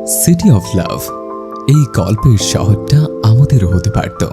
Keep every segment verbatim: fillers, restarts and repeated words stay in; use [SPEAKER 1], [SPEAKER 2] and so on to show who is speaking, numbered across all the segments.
[SPEAKER 1] City of love, এই গল্পের শহরটা আমাদেরও হতে পারত।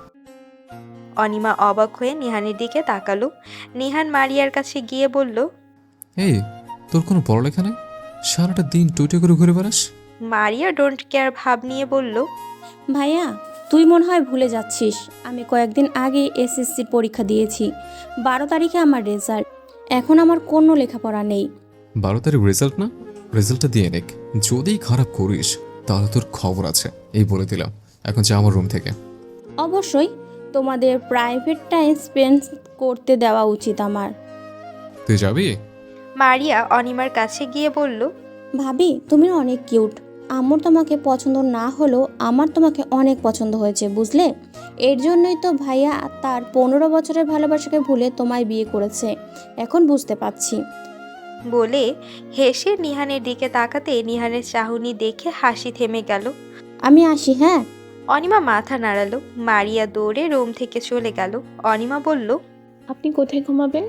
[SPEAKER 2] অনিমা অবাক হয়ে নিহানের দিকে তাকালো। নিহান মারিয়ার কাছে গিয়ে বলল,
[SPEAKER 3] এই, তোর কোনো পড়ালেখা নেই? সারাটা দিন টুইটে করে ঘুরে বেড়াস।
[SPEAKER 2] মারিয়া ডোন্ট কেয়ার ভাব নিয়ে বলল,
[SPEAKER 4] ভাইয়া, তুই মনে হয় ভুলে যাচ্ছিস, আমি কয়েকদিন আগে এসএসসির পরীক্ষা দিয়েছি। বারো তারিখে আমার রেজাল্ট। এখন আমার কোনো লেখাপড়া নেই।
[SPEAKER 3] বারো তারিখ রেজাল্ট না? রেজাল্টটা দিয়ে নেক। যদি খারাপ করিস তাহলে তোর খবর আছে, এই বলে দিলাম। এখন যা আমার রুম থেকে।
[SPEAKER 4] অবশ্যই তোমাদের প্রাইভেট টাইম স্পেন্ড করতে দেওয়া উচিত আমার।
[SPEAKER 3] তুই যাবি?
[SPEAKER 2] মারিয়া অনিমার কাছে গিয়ে বলল,
[SPEAKER 4] ভাবি, তুমি অনেক কিউট। আমার তোমাকে পছন্দ না হলেও আমার তোমাকে অনেক পছন্দ হয়েছে, বুঝলে? এর জন্যই তো ভাইয়া তার পনেরো বছরের ভালোবাসাকে ভুলে তোমায় বিয়ে করেছে। এখন বুঝতে পারছি।
[SPEAKER 2] বলে হেসে নিহানের দিকে তাকাতে নিহানের চাহনি দেখে হাসি থেমে গেল।
[SPEAKER 4] আমি আসি, হ্যাঁ।
[SPEAKER 2] অনিমা মাথা নাড়ালো। মারিয়া দৌড়ে রুম থেকে চলে গেল। অনিমা বলল,
[SPEAKER 5] আপনি কোথায় ঘুমাবেন?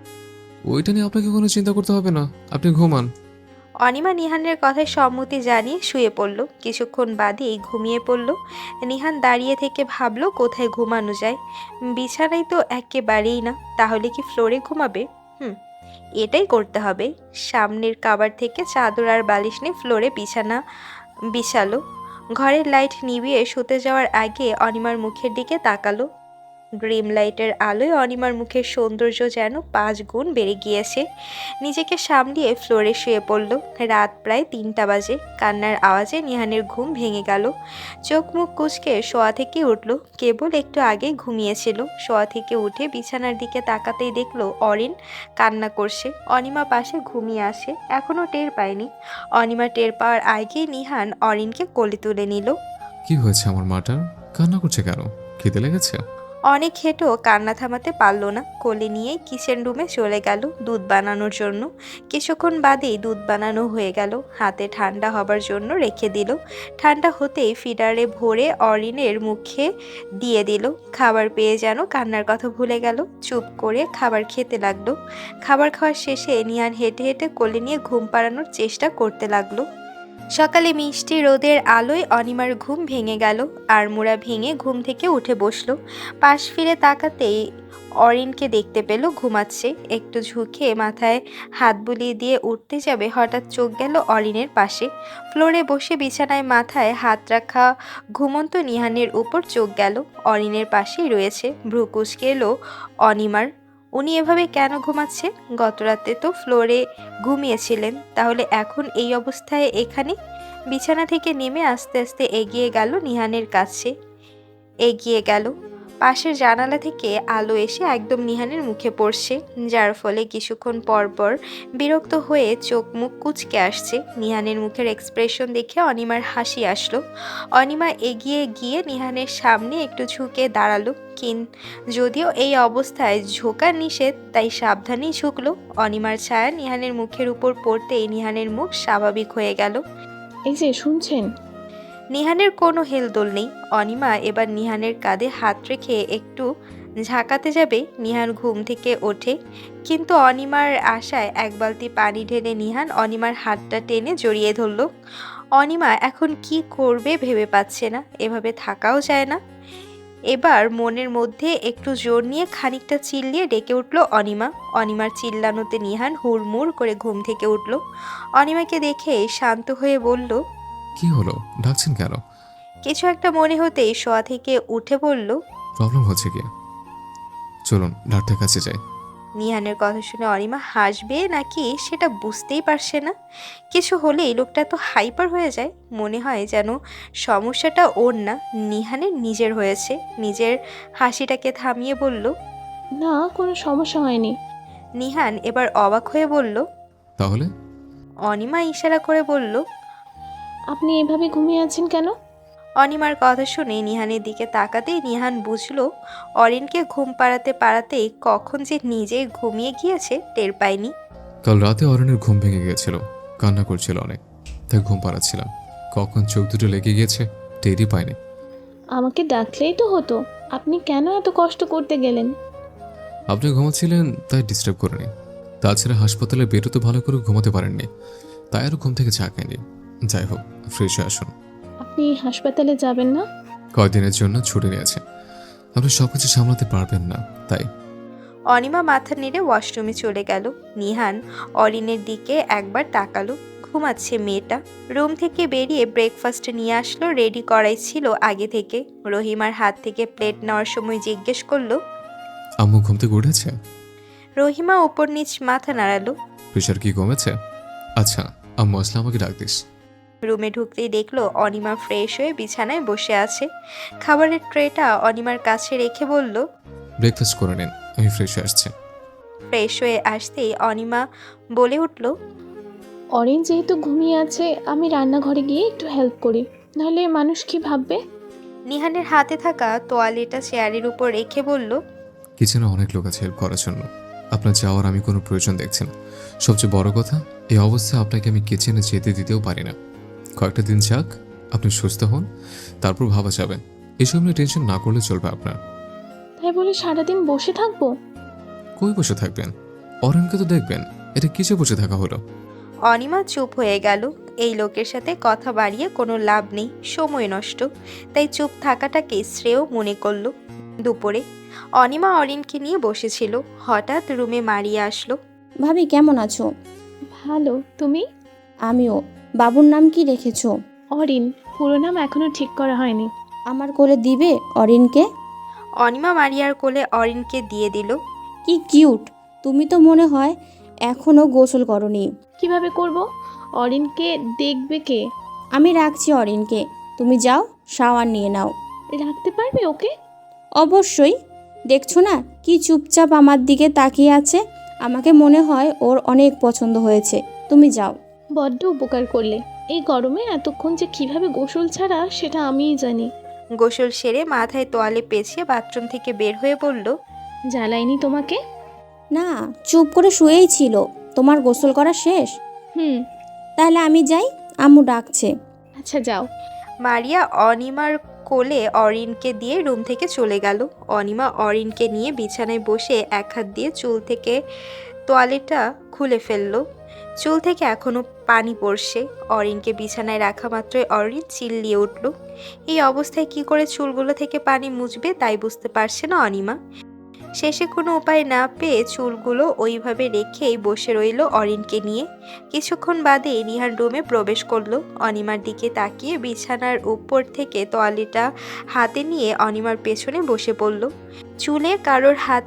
[SPEAKER 3] ওইটা নিয়ে আপনাকে কোনো চিন্তা করতে হবে না, আপনি ঘুমান।
[SPEAKER 2] অনিমা নিহানের কথায় সম্মতি জানিয়ে শুয়ে পড়ল। কিছুক্ষণ বাদেই ঘুমিয়ে পড়ল। নিহান দাঁড়িয়ে থেকে ভাবল কোথায় ঘুমানো যায়। বিছানায় তো একেবারেই না, তাহলে কি ফ্লোরে ঘুমাবে? হুম, এটাই করতে হবে। সামনের কাবার থেকে চাদর আর বালিশ নিয়ে ফ্লোরে বিছানা বিছালো। ঘরের লাইট নিভিয়ে শুতে যাওয়ার আগে অনিমার মুখের দিকে তাকালো। ড্রিম লাইটের আলোয় অনিমার মুখের সৌন্দর্য যেন পাঁচ গুণ বেড়ে গিয়েছে। নিজেকে সামলিয়ে ফ্লোরে শুয়ে পড়ল। রাত প্রায় তিনটা বাজে। কান্নার আওয়াজে নিহানের ঘুম ভেঙে গেল। চোখ মুখ কুঁচকে শোয়া থেকে উঠল। কেবল একটু আগে ঘুমিয়েছিল। শোয়া থেকে উঠে বিছানার দিকে তাকাতেই দেখলো অরিন কান্না করছে। অনিমা পাশে ঘুমিয়ে আসে, এখনও টের পায়নি। অনিমা টের পাওয়ার আগেই নিহান অরিনকে কোলে তুলে নিল।
[SPEAKER 3] কি হয়েছে আমার মাটার? কান্না করছে কেন? খিদে লেগেছে?
[SPEAKER 2] অনেক হেঁটেও কান্না থামাতে পারল না। কোলে নিয়ে কিচেন রুমে চলে গেল দুধ বানানোর জন্য। কিছুক্ষণ বাদেই দুধ বানানো হয়ে গেল। হাতে ঠান্ডা হবার জন্য রেখে দিল। ঠান্ডা হতেই ফিডারে ভরে অরিনের মুখে দিয়ে দিল। খাবার পেয়ে যেন কান্নার কথা ভুলে গেল। চুপ করে খাবার খেতে লাগলো। খাবার খাওয়ার শেষে নিহান হেঁটে হেঁটে কোলে নিয়ে ঘুম পাড়ানোর চেষ্টা করতে লাগলো। সকালে মিষ্টি রোদের আলোয় অনিমার ঘুম ভেঙে গেল। আড়মোড়া ভেঙে ঘুম থেকে উঠে বসলো। পাশ ফিরে তাকাতেই অরিনকে দেখতে পেল ঘুমাচ্ছে। একটু ঝুঁকে মাথায় হাত বুলিয়ে দিয়ে উঠতে যাবে, হঠাৎ চোখ গেল অরিনের পাশে। ফ্লোরে বসে বিছানায় মাথায় হাত রাখা ঘুমন্ত নিহানের উপর চোখ গেল। অরিনের পাশেই রয়েছে। ভ্রু কুঁচকে এলো অনিমার। উনি এভাবে কেন ঘুমাচ্ছে? গতরাতে তো ফ্লোরে ঘুমিয়েছিলেন, তাহলে এখন এই অবস্থায় এখানে? বিছানা থেকে নেমে আস্তে আস্তে এগিয়ে গেল নিহানের কাছে। এগিয়ে গেল। পাশের জানালা থেকে আলো এসে একদম নিহানের মুখে পড়ছে, যার ফলে কিছুক্ষণ পর পর বিরক্ত হয়ে চোখ মুখ কুঁচকে আসছে। নিহানের মুখের এক্সপ্রেশন দেখে অনিমার হাসি আসলো। অনিমা এগিয়ে গিয়ে নিহানের সামনে একটু ঝুঁকে দাঁড়ালো। কিন যদিও এই অবস্থায় ঝোঁকা নিষেধ, তাই সাবধানেই ঝুঁকলো। অনিমার ছায়া নিহানের মুখের উপর পড়তেই নিহানের মুখ স্বাভাবিক হয়ে গেল।
[SPEAKER 5] এই যে শুনছেন?
[SPEAKER 2] নিহানের কোনো হেলদোল নেই। অনিমা এবার নিহানের কাঁধে হাত রেখে একটু ঝাঁকাতে যাবে। নিহান ঘুম থেকে ওঠে, কিন্তু অনিমার আশায় এক বালতি পানি ঢেলে নিহান অনিমার হাতটা টেনে জড়িয়ে ধরল। অনিমা এখন কি করবে ভেবে পাচ্ছে না। এভাবে থাকাও যায় না। এবার মনের মধ্যে একটু জোর নিয়ে খানিকটা চিল্লিয়ে ডেকে উঠল অনিমা। অনিমার চিল্লানোতে নিহান হুড়মুড় করে ঘুম থেকে উঠল। অনিমাকে দেখে শান্ত হয়ে বলল,
[SPEAKER 3] কি হলো, ডাকছেন কেন?
[SPEAKER 2] কিছু একটা মনে হতেই শোয়া থেকে উঠে বলল,
[SPEAKER 3] প্রবলেম হচ্ছে কি? চলুন ডাক্তার কাছে যাই।
[SPEAKER 2] নিহানের কথা শুনে অনিমা হাসবে নাকি সেটা বুঝতেই পারছে না। কিছু হলেই লোকটা তো হাইপার হয়ে যায়। মনে হয় যেন সমস্যাটা ওর না, নিহানের নিজের হয়েছে। নিজের হাসিটাকে থামিয়ে বলল,
[SPEAKER 5] না, কোনো সমস্যা হয়নি।
[SPEAKER 2] নিহান এবার অবাক হয়ে বলল।
[SPEAKER 3] তাহলে?
[SPEAKER 2] অনিমা ইশারা করে বলল,
[SPEAKER 5] আপনি এভাবে ঘুমিয়ে আছেন কেন?
[SPEAKER 2] অনিমার কথা শুনে নিহানের দিকে তাকাতেই নিহান বুঝলো অরিনকে ঘুম পাড়াতে পাড়াতেই কখন যে নিজে ঘুমিয়ে গিয়েছে টের পায়নি।
[SPEAKER 3] কাল রাতে অরণ্যের ঘুম ভেঙে গিয়েছিল, কান্না করছিল অনেক, তাই ঘুম পাড়াচ্ছিলাম। কখন চোখ দুটো লেগে গিয়েছে টেরই পাইনি।
[SPEAKER 5] আমাকে ডাকলেই তো হতো, আপনি কেন এত কষ্ট করতে গেলেন?
[SPEAKER 3] আপনি ঘুমাচ্ছিলেন তাই ডিস্টার্ব করিনি। তাছাড়া হাসপাতালে বেরোতে ভালো করে ঘুমাতে পারেননি, তাই আর ঘুম থেকে ঝাঁকায়নি। যাই হোক, ফ্রেশ হয়ে আসুন।
[SPEAKER 5] আপনি হাসপাতালে যাবেন না?
[SPEAKER 3] কয়েকদিনের জন্য ছুটি নিয়েছে। আপনি সব কিছু সামলাতে পারবেন না, তাই।
[SPEAKER 2] অনিমা মাথা নেড়ে ওয়াশরুমে চলে গেল। নিহান অরিনের দিকে একবার তাকালো। ঘুমাচ্ছে মেয়েটা। রুম থেকে বেরিয়ে ব্রেকফাস্ট নিয়ে আসলো, রেডি করাই ছিল আগে থেকে। রহিমার হাত থেকে প্লেট নেওয়ার সময় জিজ্ঞেস করলো।
[SPEAKER 3] আম্মু ঘুম থেকে উঠেছে?
[SPEAKER 2] রহিমা উপর নিচ মাথা নাড়ালো।
[SPEAKER 3] প্রেশার কি কমেছে? আচ্ছা, আম্মু আসলে আমাকে ডাক দিস।
[SPEAKER 2] রুমে ঢুকতেই দেখলো অনিমা ফ্রেশ হয়ে বিছানায় বসে আছে। খাবারের ট্রেটা অনিমার কাছে রেখে বলল।
[SPEAKER 3] ব্রেকফাস্ট করে নিন, আমি ফ্রেশ হয়ে আসছি।
[SPEAKER 2] ফ্রেশ হয়ে আসতেই অনিমা বলে উঠল।
[SPEAKER 5] অরেঞ্জ যেহেতু ঘুমিয়ে আছে, আমি রান্নাঘরে গিয়ে একটু হেল্প করি, নাহলে মানুষ কি ভাববে?
[SPEAKER 2] নিহানের হাতে থাকা তোয়ালেটা চেয়ারের উপর রেখে বলল।
[SPEAKER 3] কিচেনে অনেক লোক আছে হেল্প করার জন্য, আপনার যাওয়ার আমি কোনো প্রয়োজন দেখছি না। সবচেয়ে বড় কথা, এই অবস্থায় আপনাকে আমি কিচেনে যেতে দিতেও পারি না। কয়েকটা দিন যাক, আপনি সুস্থ হন, তারপর ভাবা যাবে। এসব নিয়ে টেনশন না করলে চলবে আপনার।
[SPEAKER 5] তাই বলে সারাদিন বসে থাকবো?
[SPEAKER 3] কই বসে থাকবেন? অরণকে তো দেখবেন। এটা কিসে বসে থাকা হলো?
[SPEAKER 2] অনিমা চুপ হয়ে গেল। এই লোকের সাথে কথা বাড়িয়ে কোনো লাভ নেই, সময় নষ্ট। তাই চুপ থাকাটাকে শ্রেয় মনে করলো। দুপুরে অনিমা অরিনকে নিয়ে বসেছিল। হঠাৎ রুমে মারিয়া আসলো।
[SPEAKER 4] ভাবি কেমন আছো?
[SPEAKER 5] ভালো, তুমি?
[SPEAKER 4] আমিও। বাবুর নাম কি রেখেছো?
[SPEAKER 5] অরিন। পুরো নাম এখনো ঠিক করা হয়নি।
[SPEAKER 4] আমার কোলে দিবে অরিনকে?
[SPEAKER 2] অনিমা মারিয়ার কোলে অরিনকে দিয়ে দিল।
[SPEAKER 4] কি কিউট! তুমি তো মনে হয় এখনো গোসল করনি।
[SPEAKER 5] কিভাবে করব? অরিনকে দেখবে কে?
[SPEAKER 4] আমি রাখছি অরিনকে, তুমি যাও শাওয়ার নিয়ে নাও।
[SPEAKER 5] রাখতে পারবে ওকে?
[SPEAKER 4] অবশ্যই। দেখছো না কি চুপচাপ আমার দিকে তাকিয়ে আছে? আমাকে মনে হয় ওর অনেক পছন্দ হয়েছে। তুমি যাও।
[SPEAKER 5] বড্ড উপকার করলে। এই গরমে এতক্ষণ যে কিভাবে গোসল ছাড়া সেটা আমিই জানি।
[SPEAKER 2] গোসল সেরে মাথায় তোয়ালে পেঁচিয়ে বাথরুম থেকে বের হয়ে বলল।
[SPEAKER 5] জ্বালাইনি তোমাকে?
[SPEAKER 4] না, চুপ করে শুয়েই ছিল। তোমার গোসল করা শেষ?
[SPEAKER 5] হুম।
[SPEAKER 4] তাহলে আমি যাই, আম্মু ডাকছে।
[SPEAKER 5] আচ্ছা যাও।
[SPEAKER 2] মারিয়া অনিমার কোলে অরিনকে দিয়ে রুম থেকে চলে গেল। অনিমা অরিনকে নিয়ে বিছানায় বসে এক হাত দিয়ে চুল থেকে তোয়ালেটা খুলে ফেললো। চুল থেকে এখনো পানি পড়ছে। অরিনকে বিছানায় রাখা মাত্রই অরিন চিল্লিয়ে উঠল। এই অবস্থায় কি করে চুলগুলো থেকে পানি মুছবে তাই বুঝতে পারছে না অনিমা। শেষে কোনো উপায় না পেয়ে চুলগুলো ওইভাবে রেখেই বসে রইল অরিনকে নিয়ে। কিছুক্ষণ বাদে নিহান রুমে প্রবেশ করলো। অনিমার দিকে তাকিয়ে বিছানার উপর থেকে তোয়ালিটা হাতে নিয়ে অনিমার পেছনে বসে পড়ল। চুলে কারোর হাত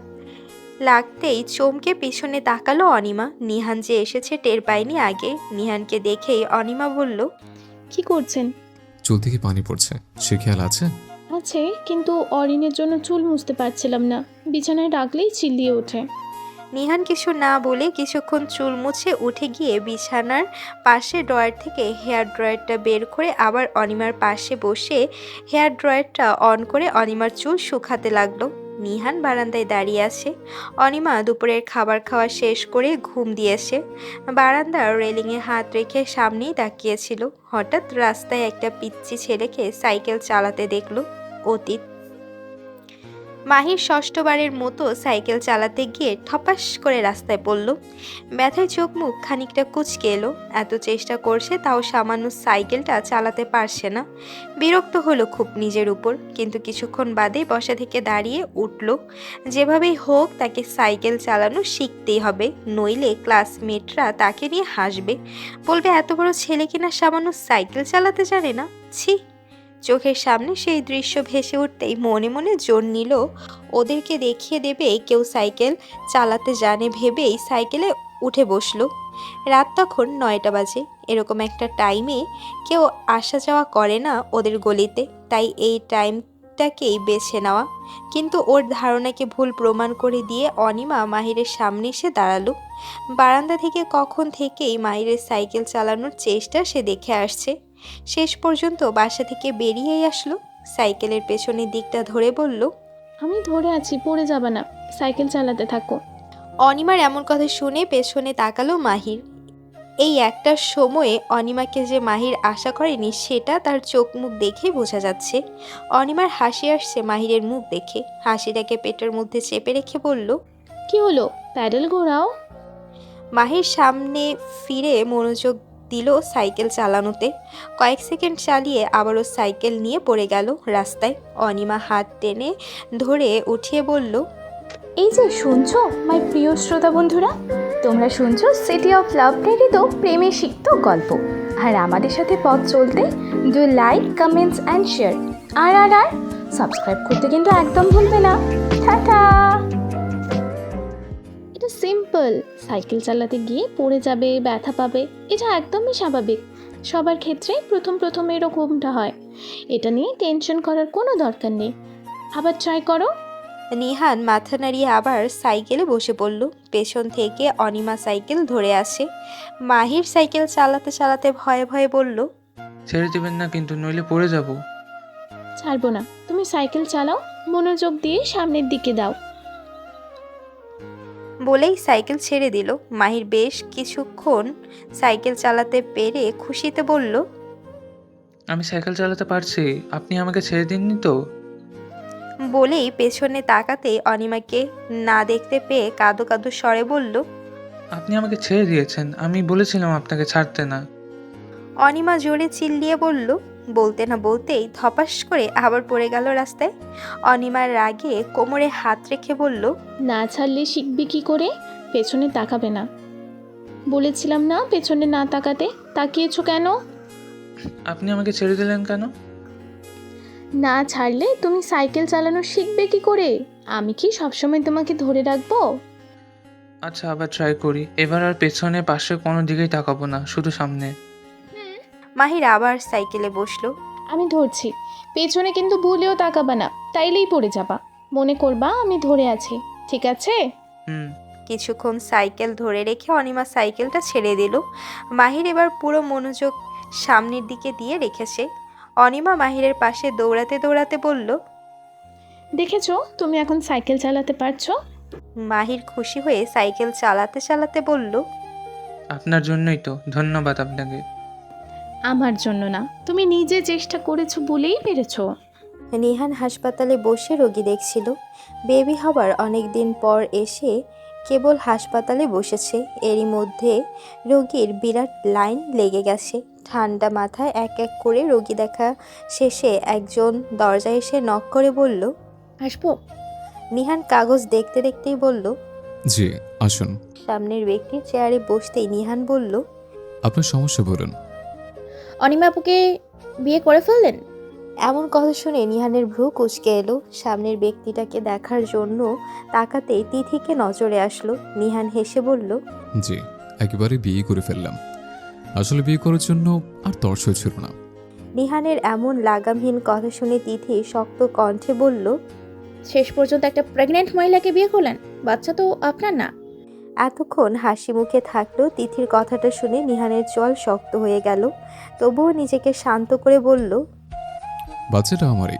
[SPEAKER 2] লাগতেই চমকে পিছনে তাকালো অনিমা। নিহান যে এসেছে টের পায়নি আগে। নিহানকে দেখেই অনিমা বলল।
[SPEAKER 5] কি করছেন?
[SPEAKER 3] চুল থেকে পানি পড়ছে, সে খেয়াল আছে?
[SPEAKER 5] আছে, কিন্তু অরিনের জন্য চুল মুছতে পারছিলাম না। বিছানায় রাখলেই চিল্লিয়ে ওঠে।
[SPEAKER 2] নিহান কিছু না বলে কিছুক্ষণ চুল মুছে উঠে গিয়ে বিছানার পাশে ড্রয়ার থেকে হেয়ার ড্রয়ারটা বের করে আবার অনিমার পাশে বসে হেয়ার ড্রয়ারটা অন করে অনিমার চুল শুকাতে লাগলো। নিহান বারান্দায় দাঁড়িয়ে আছে। অনিমা দুপুরের খাবার খাওয়া শেষ করে ঘুম দিয়েছে। বারান্দার রেলিংয়ে হাত রেখে সামনেই তাকিয়েছিল। হঠাৎ রাস্তায় একটা পিচ্চি ছেলেকে সাইকেল চালাতে দেখলো। অতীত। মাহির ষষ্ঠবারের মতো সাইকেল চালাতে গিয়ে ঠপাস করে রাস্তায় পড়ল। ব্যথায় চোখ মুখ খানিকটা কুঁচকে এলো। এত চেষ্টা করছে তাও সামান্য সাইকেলটা চালাতে পারছে না। বিরক্ত হলো খুব নিজের উপর, কিন্তু কিছুক্ষণ বাদে বসা থেকে দাঁড়িয়ে উঠল। যেভাবেই হোক তাকে সাইকেল চালানো শিখতেই হবে, নইলে ক্লাসমেটরা তাকে নিয়ে হাসবে, বলবে এত বড় ছেলে কিনা সামান্য সাইকেল চালাতে জানে না। ছি! চোখের সামনে সেই দৃশ্য ভেসে উঠতেই মনে মনে জোর নিল ওদেরকে দেখিয়ে দেবে কেউ সাইকেল চালাতে জানে ভেবেই সাইকেলে উঠে বসলো। রাত তখন নয়টা বাজে। এরকম একটা টাইমে কেউ আসা যাওয়া করে না ওদের গলিতে, তাই এই টাইমটাকেই বেছে নেওয়া। কিন্তু ওর ধারণাকে ভুল প্রমাণ করে দিয়ে অনিমা মাহিরের সামনে এসে দাঁড়ালো। বারান্দা থেকে কখন থেকেই মাহিরের সাইকেল চালানোর চেষ্টা সে দেখে আসছে। শেষ পর্যন্ত বাসা থেকে বেরিয়েই আসলো। সাইকেলের পেছনের দিকটা ধরে বলল।
[SPEAKER 5] আমি ধরে আছি, পড়ে যাবে না, সাইকেল চালাতে থাকো।
[SPEAKER 2] অনিমার এমন কথা শুনে পেছনে তাকালো মাহির। এই একটা সময়ে অনিমাকে যে মাহির আশা করেনি সেটা তার চোখ মুখ দেখেই বোঝা যাচ্ছে। অনিমার হাসি আসছে মাহিরের মুখ দেখে। হাসিটাকে পেটের মধ্যে চেপে রেখে বলল।
[SPEAKER 5] কি হলো? প্যাডেল ঘোরাও।
[SPEAKER 2] মাহির সামনে ফিরে মনোযোগ দিল সাইকেল চালানোতে। কয়েক সেকেন্ড চালিয়ে আবারও সাইকেল নিয়ে পড়ে গেল রাস্তায়। অনিমা হাত টেনে ধরে উঠিয়ে বলল,
[SPEAKER 5] এই যে শুনছো মাই প্রিয় শ্রোতা বন্ধুরা, তোমরা শুনছো সিটি অফ লাভ প্রেরিত প্রেমে সিক্ত গল্প। আর আমাদের সাথে পথ চলতে do like comments and share. আর আর আর সাবস্ক্রাইব করতে কিন্তু একদম ভুলবে না। টাটা। এটা সিম্পল, সাইকেল চালাতে গিয়ে পড়ে যাবে, ব্যথা পাবে, এটা একদমই স্বাভাবিক। সবার ক্ষেত্রেই প্রথম প্রথম এরকমটা হয়, এটা নিয়ে টেনশন করার কোনো দরকার নেই। আবার ট্রাই করো।
[SPEAKER 2] নিহান মাথা নাড়িয়ে আবার সাইকেলে বসে পড়ল। পেছন থেকে অনিমা সাইকেল ধরে আসে। মাহির সাইকেল চালাতে চালাতে ভয়ে ভয়ে বলল,
[SPEAKER 6] ছেড়ে দেবেন না কিন্তু, নইলে পড়ে যাব।
[SPEAKER 5] ছাড়বো না, তুমি সাইকেল চালাও, মনোযোগ দিয়ে সামনের দিকে দাও।
[SPEAKER 2] বলেই সাইকেল ছেড়ে দিল। মাহির বেশ কিছুক্ষণ সাইকেল চালাতে পেরে খুশিতে বলল,
[SPEAKER 6] আমি সাইকেল চালাতে পারছি, আপনি আমাকে ছেড়ে দিননি তো?
[SPEAKER 2] বলেই পেছনে তাকাতে অনিমাকে না দেখতে পেয়ে কাঁদো কাঁদো স্বরে বলল,
[SPEAKER 6] আপনি আমাকে ছেড়ে দিয়েছেন, আমি বলেছিলাম আপনাকে ছাড়তে না।
[SPEAKER 2] অনিমা জোরে চিল্লিয়ে বলল। বলতে না বলতেই ধপাস করে আবার পড়ে গেল রাস্তায়। অনিমার রাগে কোমরে হাত রেখে বলল,
[SPEAKER 5] না ছাড়লে শিখবে কি করে? পেছনে তাকাবে না বলেছিলাম না? পেছনে না তাকাতে, তাকিয়েছো কেন?
[SPEAKER 6] আপনি আমাকে ছেড়ে দিলেন কেন?
[SPEAKER 5] না ছাড়লে তুমি সাইকেল চালানো শিখবে কি করে? আমি কি সবসময় তোমাকে ধরে রাখবো?
[SPEAKER 6] আচ্ছা, আবার ট্রাই করি। এবার আর পেছনে পাশে কোনো দিকেই তাকাবো না, শুধু সামনে।
[SPEAKER 2] মাহির আবার সাইকেলে বসলো।
[SPEAKER 5] আমি ধরছি, পেছনে কিন্তু ভুলেও তাকাবা না, তাইলেই পড়ে যাবা। মনে করবা আমি ধরে আছি, ঠিক আছে?
[SPEAKER 6] হুম।
[SPEAKER 2] কিছুক্ষণ সাইকেল ধরে রেখে অনিমা সাইকেলটা ছেড়ে দিল। মাহির এবার পুরো মনোযোগ সামনের দিকে দিয়ে রেখেছে। অনিমা মাহিরের পাশে দৌড়াতে দৌড়াতে বলল,
[SPEAKER 5] দেখেছো তুমি এখন সাইকেল চালাতে পারছো?
[SPEAKER 2] মাহির খুশি হয়ে সাইকেল চালাতে চালাতে বলল,
[SPEAKER 6] আপনার জন্যই তো, ধন্যবাদ আপনাকে।
[SPEAKER 5] আমার জন্য না, তুমি নিজে চেষ্টা করেছো বলেই পেরেছো।
[SPEAKER 2] নিহান হাসপাতালে বসে রোগী দেখছিল। বেবি হবার অনেক দিন পর এসে কেবল হাসপাতালে বসেছে। এরই মধ্যে রোগীর বিরাট লাইন লেগে গেছে। ঠান্ডা মাথায় এক এক করে রোগী দেখা শেষে একজন দরজায় এসে নক করে বলল,
[SPEAKER 4] আসবো?
[SPEAKER 2] নিহান কাগজ দেখতে দেখতেই বলল।
[SPEAKER 3] জি আসুন।
[SPEAKER 2] সামনের ব্যক্তি চেয়ারে বসতেই নিহান বলল,
[SPEAKER 3] আপনার সমস্যা বলুন।
[SPEAKER 4] অনিমা আপুকে বিয়ে করে ফেললেন?
[SPEAKER 2] এমন কথা শুনে নিহানের ভ্রু কুঁচকে এলো। সামনের ব্যক্তিটাকে দেখার জন্য তাকাতেই তিথিকে নজরে আসলো। নিহান হেসে বলল,
[SPEAKER 3] জি একেবারে বিয়ে করে ফেললাম। আসলে বিয়ে করার জন্য আর তর্স ছিল না।
[SPEAKER 2] নিহানের এমন লাগামহীন কথা শুনে তিথি শক্ত কণ্ঠে বলল,
[SPEAKER 4] শেষ পর্যন্ত একটা প্রেগনেন্ট মহিলাকে বিয়ে করলেন? বাচ্চা তো আপনার না।
[SPEAKER 2] এতক্ষণ হাসি মুখে থাকলেও তিথির কথাটা শুনে নিহানের চল শক্ত হয়ে গেল। তবুও নিজেকে শান্ত করে বলল,
[SPEAKER 3] বাচ্চাটা আমারই,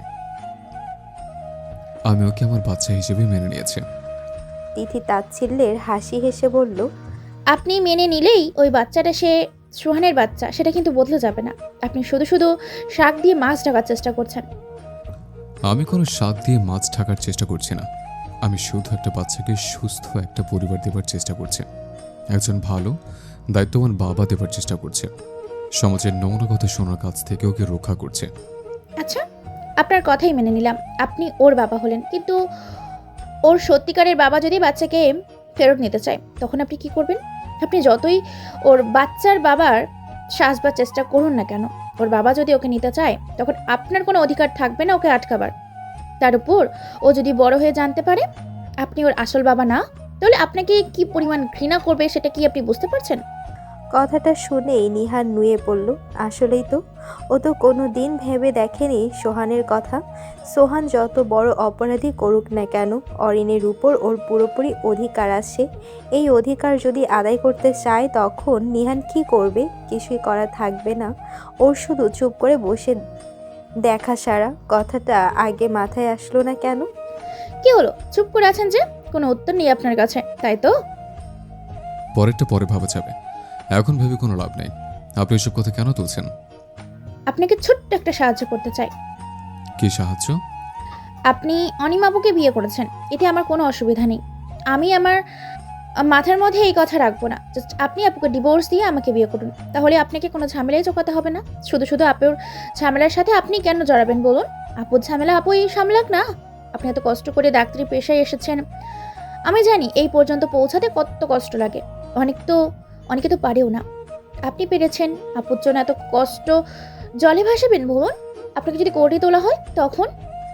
[SPEAKER 3] আমি ওকে আমার বাচ্চা হিসেবে মেনে নিয়েছি।
[SPEAKER 2] তিথি তাচ্ছিল্যের হাসি হেসে বলল,
[SPEAKER 4] আপনি মেনে নিলেই ওই বাচ্চাটা সে সোহানের বাচ্চা সেটা কিন্তু বদলে যাবে না। আপনি শুধু শুধু শাক দিয়ে মাছ ঢাকার চেষ্টা করছেন।
[SPEAKER 3] আমি কোনো শাক দিয়ে মাছ ঢাকার চেষ্টা করছি না। আমি শুধু একটা বাচ্চাকে সুস্থ একটা পরিবার দেবার চেষ্টা করছি, একজন ভালো দায়িত্ববান বাবা দেবার চেষ্টা করছে, সমাজের নোংরা কথা শোনার কাছ থেকে ওকে রক্ষা করছে।
[SPEAKER 4] আচ্ছা, আপনার কথাই মেনে নিলাম, আপনি ওর বাবা হলেন, কিন্তু ওর সত্যিকারের বাবা যদি বাচ্চাকে ফেরত নিতে চায় তখন আপনি কি করবেন? আপনি যতই ওর বাচ্চার বাবার সাজবার চেষ্টা করুন না কেন, ওর বাবা যদি ওকে নিতে চায় তখন আপনার কোনো অধিকার থাকবে না ওকে আটকাবার। তার উপর ও যদি বড় হয়ে জানতে পারে আপনি ওর আসল বাবা না, তাহলে আপনাকে কি পরিমাণ ঘৃণা করবে সেটা কি আপনি বুঝতে পারছেন?
[SPEAKER 2] কথাটা শুনেই নিহান নুয়ে পড়ল। আসলেই তো, ও তো কোনো দিন ভেবে দেখেনি সোহানের কথা। সোহান যত বড় অপরাধী করুক না কেন, অরিনের উপর ওর পুরোপুরি অধিকার আছে। এই অধিকার যদি আদায় করতে চায় তখন নিহান কি করবে? কিছুই করা থাকবে না। ওর শুধু চুপ করে বসে দেখা সারা। কথাটা আগে মাথায় আসলো না কেন?
[SPEAKER 4] কি হলো, চুপ করে আছেন যে? কোনো উত্তর নেই আপনার কাছে, তাই তো?
[SPEAKER 3] পরেরটা পরে ভাবা যাবে, এখন ভেবে কোনো লাভ নেই। আপনি এসব কথা কেন তুলছেন?
[SPEAKER 4] আপনাকে ছোট্ট একটা সাহায্য করতে চাই।
[SPEAKER 3] কি সাহায্য?
[SPEAKER 4] আপনি অনিমাবুকে বিয়ে করেছেন, এতে আমার কোনো অসুবিধা নেই। আমি আমার
[SPEAKER 7] আ মাথার মধ্যে এই কথা রাখবো না। জাস্ট আপনি আপুকে ডিভোর্স দিয়ে আমাকে বিয়ে করুন। তাহলে আপনাকে কোনো ঝামেলায় জড়াতে হবে না। শুধু, শুধু আপুর ঝামেলার সাথে আপনি কেন জড়াবেন বলুন? আপুর ঝামেলা আপুই সামলাক না। আপনি এত কষ্ট করে ডাক্তারি পেশায় এসেছেন। আমি জানি এই পর্যন্ত পৌঁছাতে কত কষ্ট লাগে। অনেক তো অনেকে তো পারেও না। আপনি পেরেছেন। আপুর জন্য এত কষ্ট জলে ভাসাবেন বলুন? আপনাকে যদি কোর্টে তোলা হয় তখন?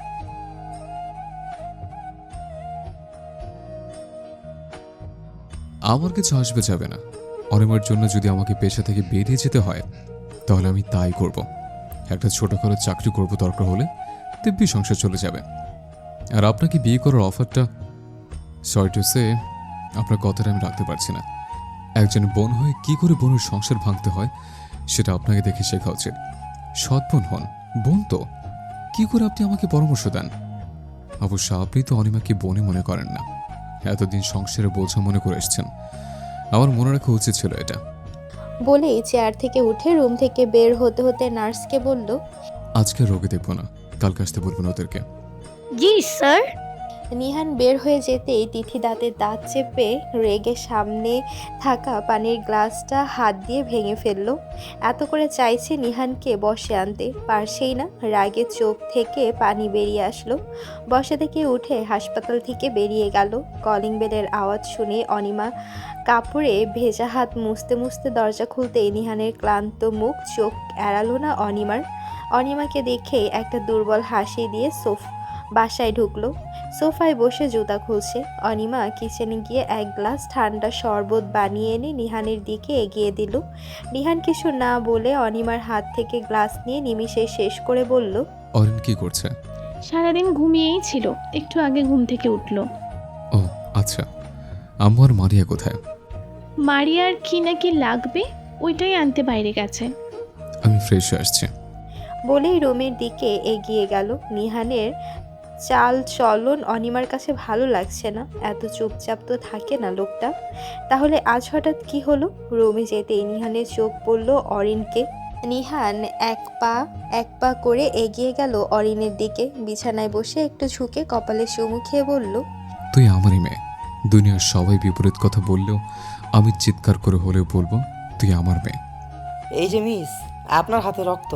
[SPEAKER 3] আমার কিছু আসবে যাবে না। অনিমার জন্য যদি আমাকে পেশা থেকে বেরিয়ে যেতে হয় তাহলে আমি তাই করব। একটা ছোটখাটো চাকরি করব দরকার হলে, দিব্যি সংসার চলে যাবে। আর আপনাকে বিয়ে করার অফারটা, সরি টু সে, আপনার কথাটা আমি রাখতে পারছি না। একজন বোন হয়ে কি করে বোনের সংসার ভাঙতে হয় সেটা আপনাকে দেখে শেখা উচিত। সৎ বোন হন, বোন তো। কি করে আপনি আমাকে পরামর্শ দেন? অবশ্য আপনি তো অনিমাকে বোনে মনে করেন না, এতদিন সংসারে বোঝা মনে করে এসছেন। আমার মনে রাখা উচিত ছিল এটা।
[SPEAKER 2] বলেই চেয়ার থেকে উঠে রুম থেকে বের হতে হতে নার্সকে বলল,
[SPEAKER 3] আজকে রোগী দেখবো না, কালকে আসতে বলবেন ওদেরকে।
[SPEAKER 8] জি স্যার।
[SPEAKER 2] নিহান বের হয়ে যেতেই তিথি দাঁতে দাঁত চেপে রেগে সামনে থাকা পানির গ্লাসটা হাত দিয়ে ভেঙে ফেলল। এত করে চাইছে নিহানকে বসে আনতে, পারছেই না। রাগে চোখ থেকে পানি বেরিয়ে আসলো। বসা থেকে উঠে হাসপাতাল থেকে বেরিয়ে গেল। কলিং বেলের আওয়াজ শুনে অনিমা কাপড়ে ভেজা হাত মুছতে মুছতে দরজা খুলতেই নিহানের ক্লান্ত মুখ চোখ এড়ালো না অনিমার। অনিমাকে দেখে একটা দুর্বল হাসি দিয়ে সোফ বাসায় ঢুকলো। সোফায় বসে জুতা খুলছে। অনিমা কিচেনে গিয়ে এক গ্লাস ঠান্ডা শরবত বানিয়ে এনে নিহানের দিকে এগিয়ে দিল। নিহান কিছু না বলে অনিমার হাত থেকে গ্লাস নিয়ে নিমিষে শেষ করে বলল,
[SPEAKER 3] অরিন কি করছে?
[SPEAKER 8] সারাদিন ঘুমিয়েই ছিল, একটু আগে ঘুম থেকে উঠলো।
[SPEAKER 3] ও আচ্ছা, আম্মু আর মারিয়া কোথায়?
[SPEAKER 8] মারিয়ার কি নাকি লাগবে, ওইটাই আনতে বাইরে গেছে।
[SPEAKER 3] আমি ফ্রেশ হয়ে আসছি।
[SPEAKER 2] বলেই রুমের দিকে এগিয়ে গেল। নিহানের চাল চলন অনিমার কাছে ভালো লাগছে না। এত চুপচাপ তো থাকে না লোকটা। তাহলে আজ হঠাৎ কি হলো? রুমে যেতেই নিহানের চোখ পড়ল অরিনকে। নিহান এক পা এক পা করে এগিয়ে গেল অরিনের দিকে। বিছানায় বসে একটু ঝুঁকে কপালে চুমু খেয়ে বলল,
[SPEAKER 3] তুই আমারই মেয়ে। দুনিয়ার সবাই বিপরীত কথা বললেও আমি চিৎকার করে হলেও বলবো তুই আমার মেয়ে।
[SPEAKER 9] এই যে মিস, আপনার হাতে রক্ত।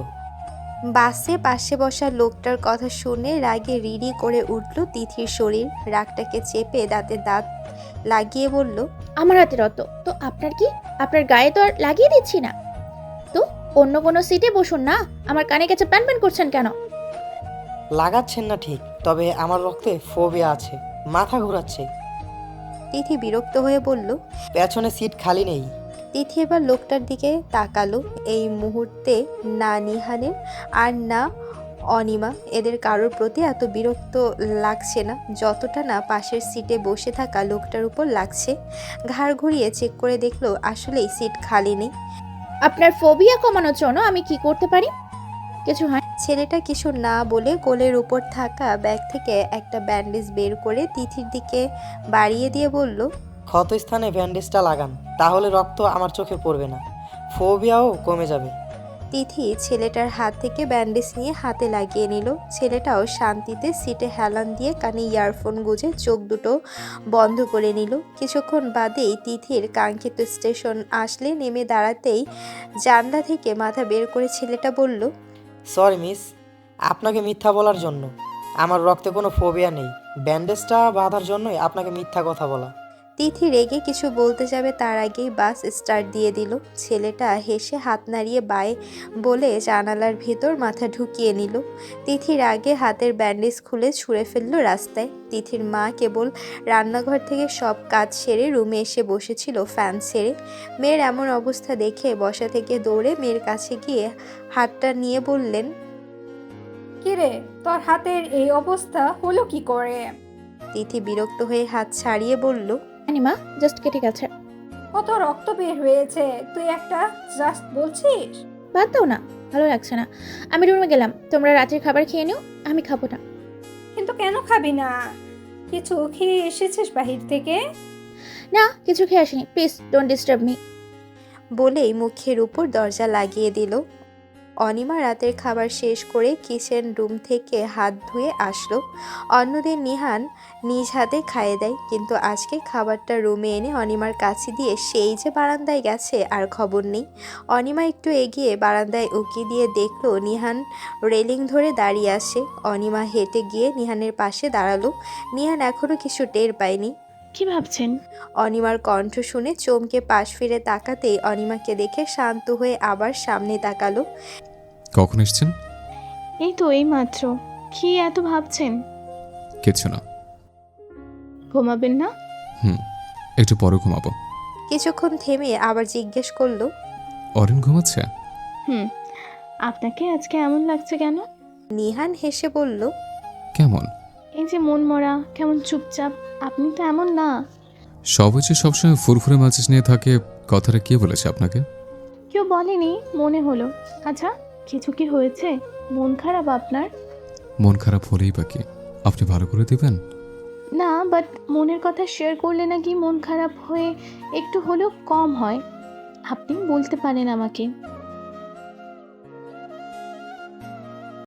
[SPEAKER 2] বাসে পাশে বসা লোকটার কথা শুনে রাগে রিরি করে উঠল তিথির শরীর। রাগটাকে চেপে দাঁতে দাঁত লাগিয়ে বলল,
[SPEAKER 7] আমার হাতে রত তো আপনার কি? আপনার গায়ে তো আর লাগিয়ে দিচ্ছি না। তো অন্য কোনো সিটে বসুন না। আমার কানে কাছে প্যান প্যান করছেন কেন?
[SPEAKER 9] লাগাচ্ছেন না ঠিক, তবে আমার রক্তে ফোবিয়া আছে, মাথা ঘোরাচ্ছে।
[SPEAKER 2] তিথি বিরক্ত হয়ে বলল।
[SPEAKER 9] পেছনে সিট খালি নেই।
[SPEAKER 2] তিথি এবার লোকটার দিকে তাকালো। এই মুহূর্তে না নিহানের আর না অনিমা, এদের কারোর প্রতি এত বিরক্ত লাগছে না যতটা না পাশের সিটে বসে থাকা লোকটার উপর লাগছে। ঘাড় ঘুরিয়ে চেক করে দেখলো আসলেই সিট খালি নেই।
[SPEAKER 7] আপনার ফোবিয়া কমানোর জন্য আমি কি করতে পারি? কিছু হয়।
[SPEAKER 2] ছেলেটা কিছু না বলে কোলের উপর থাকা ব্যাগ থেকে একটা ব্যান্ডেজ বের করে তিথির দিকে বাড়িয়ে দিয়ে বলল,
[SPEAKER 9] ক্ষত স্থানে ব্যান্ডেজটা লাগান, তাহলে রক্ত আমার চোখে পড়বে না, ফোবিয়াও কমে যাবে।
[SPEAKER 2] তিথি ছেলেটার হাত থেকে ব্যান্ডেজ নিয়ে হাতে লাগিয়ে নিল। ছেলেটাও শান্তিতে সিটে হেলান দিয়ে কানে ইয়ারফোন গুঁজে চোখ দুটো বন্ধ করে নিল। কিছুক্ষণ বাদেই তিথির কাঙ্ক্ষিত স্টেশন আসলে নেমে দাঁড়াতেই জানলা থেকে মাথা বের করে ছেলেটা বলল,
[SPEAKER 9] সরি মিস, আপনাকে মিথ্যা বলার জন্য। আমার রক্তে কোনো ফোবিয়া নেই, ব্যান্ডেজটা বাঁধার জন্যই আপনাকে মিথ্যা কথা বলা।
[SPEAKER 2] তিথি রেগে কিছু বলতে যাবে তার আগেই বাস স্টার্ট দিয়ে দিল। ছেলেটা হেসে হাত নাড়িয়ে বায়ে বলে জানালার ভেতর মাথা ঢুকিয়ে নিল। তিথির আগে হাতের ব্যান্ডেজ খুলে ছুঁড়ে ফেললো রাস্তায়। তিথির মা কেবল রান্নাঘর থেকে সব কাজ সেরে রুমে এসে বসেছিল ফ্যান ছেড়ে। মেয়ের এমন অবস্থা দেখে বসা থেকে দৌড়ে মেয়ের কাছে গিয়ে হাতটা নিয়ে বললেন,
[SPEAKER 10] কিরে, তোর হাতের এই অবস্থা হলো কি করে?
[SPEAKER 2] তিথি বিরক্ত হয়ে হাত ছাড়িয়ে বলল,
[SPEAKER 7] অনিমা জাস্ট কেটে গেছে।
[SPEAKER 10] কত রক্ত বের হয়েছে, তুই একটা জাস্ট বলছিস?
[SPEAKER 7] বাদ দাও না, ভালো লাগছে না। আমি রুমে গেলাম, তোমরা রাতের খাবার খেয়ে নিও, আমি খাবো না।
[SPEAKER 10] কিন্তু কেন খাবি না? কিছু খেয়ে এসেছিস বাহির থেকে?
[SPEAKER 7] না, কিছু খেয়ে আসিনি, প্লিজ ডোন্ট ডিস্টার্ব মি।
[SPEAKER 2] বলেই মুখের উপর দরজা লাগিয়ে দিল। অনিমা রাতের খাবার শেষ করে কিচেন রুম থেকে হাত ধুয়ে আসলো। অন্যদিন নিহান নিজ হাতে খাইয়ে দেয়, কিন্তু আজকে খাবারটা রুমে এনে অনিমার কাছে দিয়ে সেই যে বারান্দায় গেছে আর খবর নেই। অনিমা একটু এগিয়ে বারান্দায় উকি দিয়ে দেখলো নিহান রেলিং ধরে দাঁড়িয়ে আছে। অনিমা হেঁটে গিয়ে নিহানের পাশে দাঁড়ালো। নিহান এখনো কিছু টের পায়নি।
[SPEAKER 8] কি ভাবছেন?
[SPEAKER 2] অনিমার কণ্ঠ শুনে চমকে পাশ ফিরে তাকাতেই অনিমাকে দেখে শান্ত হয়ে আবার সামনে তাকালো।
[SPEAKER 3] কখন এসছেন?
[SPEAKER 8] এই তো এই মাত্র। কি এত ভাবছেন?
[SPEAKER 3] কিছু না।
[SPEAKER 8] ঘুমাবেন না?
[SPEAKER 3] হুম, একটু পরে ঘুমাবো।
[SPEAKER 2] কিছুক্ষণ থেমে আবার জিজ্ঞেস করলো,
[SPEAKER 3] অরিন ঘুমাচ্ছে?
[SPEAKER 8] হুম। আপনাকে আজকে এমন লাগছে কেন?
[SPEAKER 2] নিহান হেসে বলল,
[SPEAKER 3] কেমন?
[SPEAKER 8] এই যে মন মরা, কেমন চুপচাপ। আপনি তো এমন না।
[SPEAKER 3] সবাই যে সবসময় ফুরফুরে মেজাজ নিয়ে থাকে, কথাটা কে বলেছে আপনাকে?
[SPEAKER 8] কেউ বলেনি, মনে হলো। আচ্ছা, কিছু কি হয়েছে? মন খারাপ আপনার?
[SPEAKER 3] মন খারাপ হলেই বা কি, আপনি ভালো করে দিবেন?
[SPEAKER 8] না, বাট মনের কথা শেয়ার করলে নাকি মন খারাপ হয়ে একটু হলেও কম হয়। আপনি বলতে পারেন আমাকে।